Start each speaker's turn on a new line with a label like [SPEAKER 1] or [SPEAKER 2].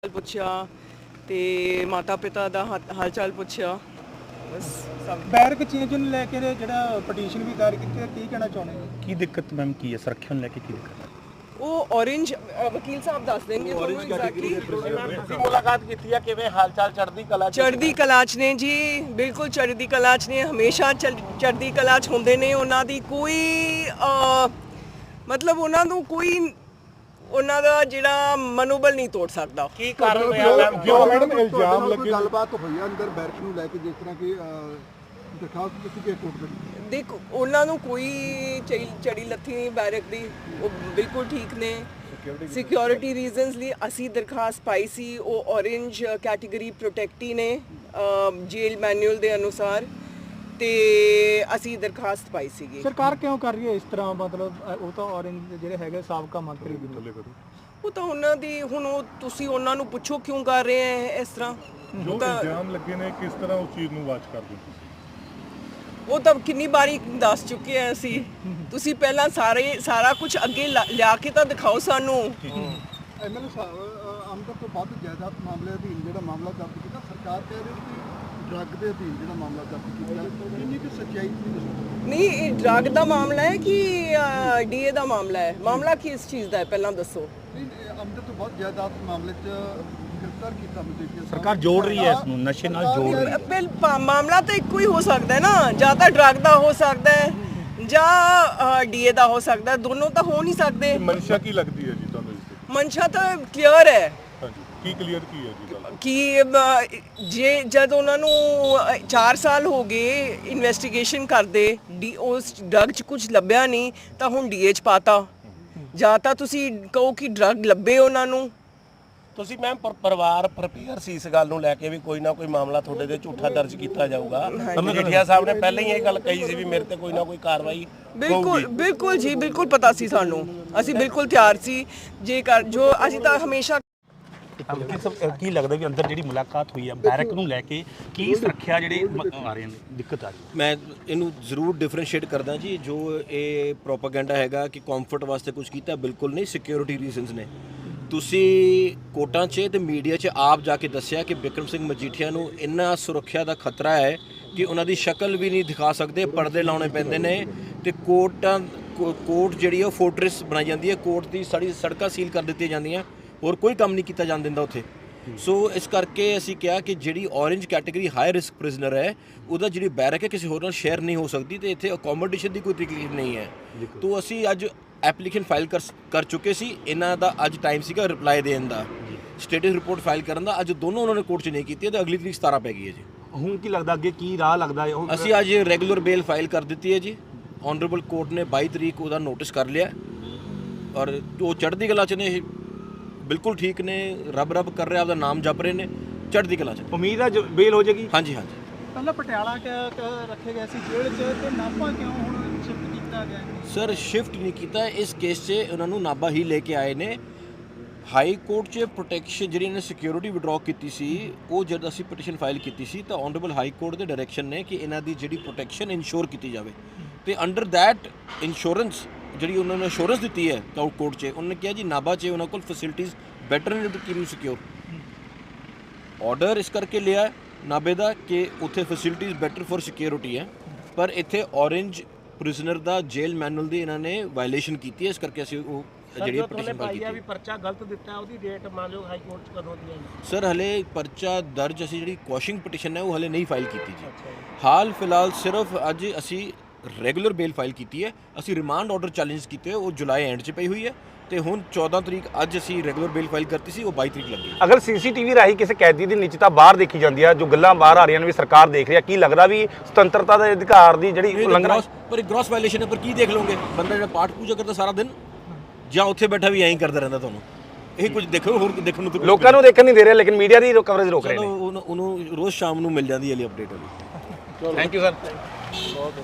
[SPEAKER 1] ਪੁੱਛਿਆ ਤੇ ਮਾਤਾ ਪਿਤਾ ਦਾ ਹਾਲ ਚਾਲ ਪੁੱਛਿਆ ਬਸ ਸਭ।
[SPEAKER 2] ਬੈਰਕ ਚੇਂਜ ਨੂੰ ਲੈ ਕੇ ਜਿਹੜਾ ਪਟੀਸ਼ਨ ਵੀ ਦਾਇਰ ਕੀਤੀ ਹੈ, ਕੀ ਕਹਿਣਾ ਚਾਹੁੰਦੇ ਹੋ?
[SPEAKER 3] ਕੀ ਦਿੱਕਤ ਮੈਮ ਕੀ ਹੈ ਸੁਰੱਖਿਆ ਨੂੰ ਲੈ ਕੇ ਕੀ ਦਿੱਕਤ ਹੈ?
[SPEAKER 1] ਉਹ ਔਰੇਂਜ ਵਕੀਲ ਸਾਹਿਬ ਦੱਸ ਦੇਣਗੇ ਤੁਹਾਨੂੰ ਐਗਜ਼ੈਕਟਲੀ।
[SPEAKER 2] ਤੁਸੀਂ ਮੁਲਾਕਾਤ ਕੀਤੀ ਹੈ, ਕਿਵੇਂ ਹਾਲ ਚਾਲ ਚੜ੍ਹਦੀ ਕਲਾ
[SPEAKER 1] ਚੜ੍ਹਦੀ ਕਲਾ 'ਚ ਨੇ ਜੀ, ਬਿਲਕੁਲ ਚੜ੍ਹਦੀ ਕਲਾ 'ਚ ਨੇ, ਹਮੇਸ਼ਾ ਚੜ੍ਹਦੀ ਕਲਾ 'ਚ ਹੁੰਦੇ ਨੇ। ਉਹਨਾਂ ਦੀ ਕੋਈ ਮਤਲਬ ਉਹਨਾਂ ਨੂੰ ਕੋਈ ਉਹਨਾਂ ਦਾ ਜਿਹੜਾ ਮਨੋਬਲ ਨਹੀਂ ਤੋੜ ਸਕਦਾ।
[SPEAKER 2] ਕੀ ਕਾਰਨ ਰਿਹਾ
[SPEAKER 4] ਜੋ ਮੈਡਮ ਇਲਜ਼ਾਮ ਲੱਗੇ ਗੱਲਬਾਤ ਹੋਈ ਆ ਅੰਦਰ ਬੈਰਕ ਨੂੰ ਲੈ ਕੇ, ਜਿਸ ਤਰ੍ਹਾਂ ਕਿ ਦਰਖਾਸਤ ਦਿੱਤੀ ਗਈ ਕੋਰਟ ਦੇ
[SPEAKER 1] ਦੇਖੋ ਉਹਨਾਂ ਨੂੰ ਕੋਈ ਚੜੀ ਲੱਥੀ ਨਹੀਂ ਬੈਰਕ ਦੀ, ਉਹ ਬਿਲਕੁਲ ਠੀਕ ਨੇ। ਸਿਕਿਉਰਿਟੀ ਰੀਜ਼ਨਸ ਲਈ ਅਸੀਂ ਦਰਖਾਸਤ ਪਾਈ ਸੀ, ਉਹ ਔਰੇਂਜ ਕੈਟਾਗਰੀ ਪ੍ਰੋਟੈਕਟੀ ਨੇ ਜੇਲ ਮੈਨੂਅਲ ਦੇ ਅਨੁਸਾਰ, ਤੇ ਅਸੀਂ ਦਰਖਾਸਤ ਪਾਈ ਸੀਗੀ।
[SPEAKER 2] ਸਰਕਾਰ ਕਿਉਂ ਕਰ ਰਹੀ ਹੈ ਇਸ ਤਰ੍ਹਾਂ? ਮਤਲਬ ਉਹ ਤਾਂ ਔਰੰਜ ਜਿਹੜੇ ਹੈਗੇ ਸਾਬਕਾ ਮੰਤਰੀ ਵੀ
[SPEAKER 1] ਉਹ ਤਾਂ ਉਹਨਾਂ ਦੀ ਹੁਣ ਉਹ ਤੁਸੀਂ ਉਹਨਾਂ ਨੂੰ ਪੁੱਛੋ ਕਿਉਂ ਕਰ ਰਹੇ ਹੈ ਇਸ ਤਰ੍ਹਾਂ।
[SPEAKER 5] ਜੋ ਇਲਜ਼ਾਮ ਲੱਗੇ ਨੇ ਕਿਸ ਤਰ੍ਹਾਂ ਉਸ ਚੀਜ਼ ਨੂੰ ਵਾਚ ਕਰਦੇ ਹੋ ਤੁਸੀਂ?
[SPEAKER 1] ਉਹ ਤਾਂ ਕਿੰਨੀ ਵਾਰੀ ਦੱਸ ਚੁੱਕੇ ਆ ਅਸੀਂ। ਤੁਸੀਂ ਪਹਿਲਾਂ ਸਾਰਾ ਕੁਝ ਅੱਗੇ ਲਿਆ ਕੇ ਤਾਂ ਦਿਖਾਓ ਸਾਨੂੰ।
[SPEAKER 4] ਐਮਐਲਏ ਸਾਹਿਬ ਆਮਦਨ ਤੋਂ ਵੱਧ ਜਾਇਦਾਦ ਮਾਮਲੇ ਅਧੀਨ ਜਿਹੜਾ ਮਾਮਲਾ ਦਰਜ ਕੀਤਾ, ਸਰਕਾਰ ਕਹਿ ਰਹੀ ਹੈ ਕਿ ਡਰੱਗ ਦੇ ਅਧੀਨ ਜਿਹੜਾ ਮਾਮਲਾ ਦਰਜ ਕੀਤਾ, ਇੰਨੀ ਕਿ ਸੱਚਾਈ
[SPEAKER 1] ਨਹੀਂ, ਇਹ ਡਰੱਗ ਦਾ ਮਾਮਲਾ ਹੈ ਕਿ ਡੀਏ ਦਾ ਮਾਮਲਾ ਹੈ? ਮਾਮਲਾ ਕਿਸ ਚੀਜ਼ ਦਾ ਹੈ ਪਹਿਲਾਂ ਦੱਸੋ।
[SPEAKER 4] ਆਮਦਨ ਤੋਂ ਵੱਧ ਜਾਇਦਾਦ ਮਾਮਲੇ 'ਚ ਗ੍ਰਿਫਤਾਰ ਕੀਤਾ ਮਜੀਠੀਆ।
[SPEAKER 3] ਸਰਕਾਰ ਜੋੜ ਰਹੀ ਹੈ ਇਸ ਨੂੰ, ਨਸ਼ੇ ਨਾਲ ਜੋੜ ਰਹੀ ਹੈ।
[SPEAKER 1] ਮਾਮਲਾ ਤਾਂ ਇੱਕੋ ਹੀ ਹੋ ਸਕਦਾ ਹੈ ਨਾ, ਜਾਂ ਤਾਂ ਡਰੱਗ ਦਾ ਹੋ ਸਕਦਾ ਹੈ ਜਾਂ ਡੀਏ ਦਾ ਹੋ ਸਕਦਾ ਹੈ, ਦੋਨੋਂ ਤਾਂ ਹੋ ਨਹੀਂ ਸਕਦੇ।
[SPEAKER 5] ਮਨਸ਼ਾ ਕੀ ਲੱਗਦੀ ਹੈ ਜੀ ਤੁਹਾਨੂੰ ਇਸ ਦੀ?
[SPEAKER 1] ਮਨਸ਼ਾ ਤਾਂ ਕਲੀਅਰ ਹੈ
[SPEAKER 5] ਹਾਂਜੀ, ਕੀ ਕਲੀਅਰ ਕੀ ਹੈ ਜੀ ਗੱਲ?
[SPEAKER 1] ਕਿ ਜੇ ਜਦ ਉਹਨਾਂ ਨੂੰ 4 ਸਾਲ ਹੋ ਗਏ ਇਨਵੈਸਟੀਗੇਸ਼ਨ ਕਰਦੇ, ਉਸ ਡਰੱਗ 'ਚ ਕੁਝ ਲੱਭਿਆ ਨਹੀਂ ਤਾਂ ਹੁਣ ਡੀਏ 'ਚ ਪਾਤਾ। ਜਾਂ ਤਾਂ ਤੁਸੀਂ ਕਹੋ ਕਿ ਡਰੱਗ ਲੱਭੇ ਉਹਨਾਂ ਨੂੰ।
[SPEAKER 6] ਤੁਸੀਂ ਮੈਮ ਪਰਿਵਾਰ ਪ੍ਰਪੇਅਰ ਸੀ ਇਸ ਗੱਲ ਨੂੰ ਲੈ ਕੇ ਵੀ ਕੋਈ ਨਾ ਕੋਈ ਮਾਮਲਾ ਤੁਹਾਡੇ ਤੇ ਝੂਠਾ ਦਰਜ ਕੀਤਾ ਜਾਊਗਾ? ਮਜੀਠੀਆ ਸਾਹਿਬ ਨੇ ਪਹਿਲਾਂ ਹੀ ਇਹ ਗੱਲ ਕਹੀ ਸੀ ਵੀ ਮੇਰੇ ਤੇ ਕੋਈ ਨਾ ਕੋਈ ਕਾਰਵਾਈ
[SPEAKER 1] ਬਿਲਕੁਲ ਜੀ, ਬਿਲਕੁਲ ਪਤਾ ਸੀ ਸਾਨੂੰ, ਅਸੀਂ ਬਿਲਕੁਲ ਤਿਆਰ ਸੀ ਜੇਕਰ ਜੋ ਅਸੀਂ ਤਾਂ ਹਮੇਸ਼ਾ।
[SPEAKER 3] ਕੀ ਲੱਗਦਾ ਵੀ ਅੰਦਰ ਜਿਹੜੀ ਮੁਲਾਕਾਤ ਹੋਈ ਹੈ ਬੈਰਕ ਨੂੰ ਲੈ ਕੇ ਕੀ ਸੁਰੱਖਿਆ ਜਿਹੜੇ ਆ ਰਹੇ ਨੇ ਦਿੱਕਤ ਆ ਰਹੀ ਹੈ?
[SPEAKER 6] ਮੈਂ ਇਹਨੂੰ ਜ਼ਰੂਰ ਡਿਫਰੈਂਸ਼ੀਏਟ ਕਰਦਾ ਜੀ। ਜੋ ਇਹ ਪ੍ਰੋਪਾਗੈਂਡਾ ਹੈਗਾ ਕਿ ਕੰਫਰਟ ਵਾਸਤੇ ਕੁਝ ਕੀਤਾ, ਬਿਲਕੁਲ ਨਹੀਂ। ਸਿਕਿਉਰਿਟੀ ਰੀਜ਼ਨਸ ਨੇ। ਤੁਸੀਂ ਕੋਰਟਾਂ 'ਚ ਤੇ ਮੀਡੀਆ 'ਚ ਆਪ ਜਾ ਕੇ ਦੱਸਿਆ ਕਿ ਬਿਕਰਮ ਸਿੰਘ ਮਜੀਠੀਆ ਨੂੰ ਇੰਨਾ ਸੁਰੱਖਿਆ ਦਾ ਖਤਰਾ ਹੈ ਕਿ ਉਹਨਾਂ ਦੀ ਸ਼ਕਲ ਵੀ ਨਹੀਂ ਦਿਖਾ ਸਕਦੇ, ਪਰਦੇ ਲਾਉਣੇ ਪੈਂਦੇ ਨੇ, ਤੇ ਕੋਰਟ ਜਿਹੜੀ ਹੈ ਉਹ ਫੋਰਟ੍ਰੈਸ ਬਣਾਈ ਜਾਂਦੀ ਹੈ। ਕੋਰਟ ਦੀ ਸਾਰੀ ਸੜਕਾਂ ਸੀਲ ਕਰ ਦਿੱਤੀਆਂ ਜਾਂਦੀਆਂ, ਹੋਰ ਕੋਈ ਕੰਮ ਨਹੀਂ ਕੀਤਾ ਜਾਣ ਦਿੰਦਾ ਉੱਥੇ। ਸੋ ਇਸ ਕਰਕੇ ਅਸੀਂ ਕਿਹਾ ਕਿ ਜਿਹੜੀ orange category high risk prisoner ਹੈ, ਉਹਦਾ ਜਿਹੜੀ ਬੈਰਕ ਹੈ ਕਿਸੇ ਹੋਰ ਨਾਲ ਸ਼ੇਅਰ ਨਹੀਂ ਹੋ ਸਕਦੀ, ਤੇ ਇੱਥੇ ਅਕੋਮੋਡੇਸ਼ਨ ਦੀ ਕੋਈ ਤਕਲੀਫ ਨਹੀਂ ਹੈ। ਤੋਂ ਅਸੀਂ ਅੱਜ ਐਪਲੀਕੇਸ਼ਨ ਫਾਈਲ ਕਰ ਚੁੱਕੇ ਸੀ। ਇਹਨਾਂ ਦਾ ਅੱਜ ਟਾਈਮ ਸੀਗਾ ਰਿਪਲਾਈ ਦੇਣ ਦਾ, ਸਟੇਟਸ ਰਿਪੋਰਟ ਫਾਈਲ ਕਰਨ ਦਾ। ਅੱਜ ਦੋਨੋਂ ਉਹਨਾਂ ਨੇ ਕੋਰਟ 'ਚ ਨਹੀਂ ਕੀਤੀ, ਤੇ ਅਗਲੀ ਤਰੀਕ 17 ਪੈ ਗਈ ਹੈ ਜੀ।
[SPEAKER 3] ਹੁਣ ਕੀ ਲੱਗਦਾ ਅੱਗੇ ਕੀ ਰਾਹ ਲੱਗਦਾ ਹੈ?
[SPEAKER 6] ਅਸੀਂ ਅੱਜ ਰੈਗੂਲਰ ਬੇਲ ਫਾਈਲ ਕਰ ਦਿੱਤੀ ਹੈ ਜੀ। ਆਨਰੇਬਲ ਕੋਰਟ ਨੇ 22 ਤਰੀਕ ਉਹਦਾ ਨੋਟਿਸ ਕਰ ਲਿਆ, ਔਰ ਉਹ ਚੜ੍ਹਦੀ ਕਲਾ 'ਚ ਨੇ, ਬਿਲਕੁਲ ਠੀਕ ਨੇ, ਰੱਬ ਕਰ ਰਿਹਾ, ਆਪਦਾ ਨਾਮ ਜਪ ਰਹੇ ਨੇ, ਚੜ੍ਹਦੀ ਕਲਾ 'ਚ।
[SPEAKER 3] ਉਮੀਦ ਹੈ ਬੇਲ ਹੋ ਜਾਏਗੀ?
[SPEAKER 6] ਹਾਂਜੀ ਹਾਂਜੀ।
[SPEAKER 2] ਪਹਿਲਾਂ ਪਟਿਆਲਾ ਰੱਖੇ ਗਏ ਸੀ ਜੇਲ੍ਹ 'ਚ, ਤੇ ਨਾਭਾ ਕਿਉਂ ਹੁਣ ਸ਼ਿਫਟ ਕੀਤਾ ਗਿਆ?
[SPEAKER 6] ਸਰ ਸ਼ਿਫਟ ਨਹੀਂ ਕੀਤਾ, ਇਸ ਕੇਸ 'ਚ ਉਹਨਾਂ ਨੂੰ ਨਾਭਾ ਹੀ ਲੈ ਕੇ ਆਏ ਨੇ। ਹਾਈ ਕੋਰਟ 'ਚ ਪ੍ਰੋਟੈਕਸ਼ਨ ਜਿਹੜੀ ਇਹਨੇ ਸਿਕਿਉਰਿਟੀ ਵਿਡਰਾਅ ਕੀਤੀ ਸੀ, ਉਹ ਜਦ ਅਸੀਂ ਪਟੀਸ਼ਨ ਫਾਈਲ ਕੀਤੀ ਸੀ ਤਾਂ ਆਨਰੇਬਲ ਹਾਈ ਕੋਰਟ ਦੇ ਡਾਇਰੈਕਸ਼ਨ ਨੇ ਕਿ ਇਹਨਾਂ ਦੀ ਜਿਹੜੀ ਪ੍ਰੋਟੈਕਸ਼ਨ ਇਨਸ਼ੋਰ ਕੀਤੀ ਜਾਵੇ, ਤੇ ਅੰਡਰ ਦੈਟ ਇੰਸ਼ੋਰੈਂਸ ਜਿਹੜੀ ਉਹਨਾਂ ਨੇ ਇੰਸ਼ੋਰੈਂਸ ਦਿੱਤੀ ਹੈ ਕੋਰਟ 'ਚ, ਉਹਨਾਂ ਨੇ ਕਿਹਾ ਜੀ ਨਾਭਾ 'ਚ ਉਹਨਾਂ ਕੋਲ ਫੈਸਿਲਿਟੀਜ਼ ਬੈਟਰ ਨੇ to keep you secure. Order ਇਸ ਕਰਕੇ ਲਿਆ ਨਾਭੇ ਦਾ ਕਿ ਉੱਥੇ ਫੈਸਿਲਿਟੀਜ਼ ਬੈਟਰ ਫॉर ਸਿਕਿਉਰਿਟੀ ਹੈ, ਪਰ ਇੱਥੇ ਔਰੇਂਜ ਪ੍ਰਿਜ਼ਨਰ ਦਾ ਜੇਲ ਮੈਨੂਅਲ ਦੀ ਇਹਨਾਂ ਨੇ ਵਾਇਲੇਸ਼ਨ ਕੀਤੀ ਹੈ। ਇਸ ਕਰਕੇ ਅਸੀਂ ਉਹ ਜਿਹੜੀ ਪਟੀਸ਼ਨ ਫਾਈਲ ਕੀਤੀ।
[SPEAKER 2] ਵੀ ਪਰਚਾ ਗਲਤ ਦਿੱਤਾ, ਉਹਦੀ ਡੇਟ ਮੰਨ ਲਓ ਹਾਈ ਕੋਰਟ 'ਚ ਕਦੋਂ ਦੀ ਹੈ?
[SPEAKER 6] ਸਰ ਹਲੇ ਪਰਚਾ ਦਰਜ, ਅਸੀਂ ਜਿਹੜੀ ਕੁਐਸ਼ਿੰਗ ਪਟੀਸ਼ਨ ਹੈ ਉਹ ਹਲੇ ਨਹੀਂ ਫਾਈਲ ਕੀਤੀ ਜੀ। ਹਾਲ ਫਿਲਹਾਲ ਸਿਰਫ ਅੱਜ ਅਸੀਂ ਰੈਗੂਲਰ ਬੇਲ ਫਾਈਲ ਕੀਤੀ ਹੈ। ਅਸੀਂ ਰਿਮਾਂਡ ਆਰਡਰ ਚੈਲੰਜ ਕੀਤੇ, ਉਹ ਜੁਲਾਈ ਐਂਡ 'ਚ ਪਈ ਹੋਈ ਹੈ, ਤੇ ਹੁਣ 14 ਤਰੀਕ ਅੱਜ ਅਸੀਂ ਰੈਗੂਲਰ ਬੇਲ ਫਾਈਲ ਕਰਤੀ ਸੀ, ਉਹ 22 ਤਰੀਕ ਲੱਗੀ।
[SPEAKER 3] ਅਗਰ ਸੀਸੀਟੀਵੀ ਰਾਹੀਂ ਕਿਸੇ ਕੈਦੀ ਦੀ ਨਿੱਜਤਾ ਬਾਹਰ ਦੇਖੀ ਜਾਂਦੀ ਹੈ, ਜੋ ਗੱਲਾਂ ਬਾਹਰ ਆ ਰਹੀਆਂ ਨੇ ਵੀ ਸਰਕਾਰ ਦੇਖ ਰਹੀ ਹੈ, ਕੀ ਲੱਗਦਾ ਵੀ ਸੁਤੰਤਰਤਾ ਦੇ ਅਧਿਕਾਰ ਦੀ ਜਿਹੜੀ ਉਲੰਘਣਾ?
[SPEAKER 6] ਪਰ ਗ੍ਰੋਸ ਵਾਇਲੇਸ਼ਨ ਹੈ, ਪਰ ਕੀ ਦੇਖ ਲਓਗੇ? ਬੰਦਾ ਜਿਹੜਾ ਪਾਠ ਪੂਜਾ ਕਰਦਾ ਸਾਰਾ ਦਿਨ, ਜਾਂ ਉੱਥੇ ਬੈਠਾ ਵੀ ਐਂ ਹੀ ਕਰਦਾ ਰਹਿੰਦਾ, ਤੁਹਾਨੂੰ ਇਹ ਕੁਝ ਦੇਖੋ, ਹੋਰ ਦੇਖਣ ਨੂੰ
[SPEAKER 3] ਲੋਕਾਂ ਨੂੰ ਦੇਖਣ ਨਹੀਂ ਦੇ ਰਹੇ, ਲੇਕਿਨ ਮੀਡੀਆ ਦੀ ਕਵਰੇਜ ਰੋਕ ਰਹੇ ਨੇ।
[SPEAKER 6] ਉਹਨੂੰ ਰੋਜ਼ ਸ਼ਾਮ ਨੂੰ ਮਿਲ ਜਾਂਦੀ ਹੈ ਅਪਡੇਟ ਵਾਲੀ।
[SPEAKER 3] Thank you sir.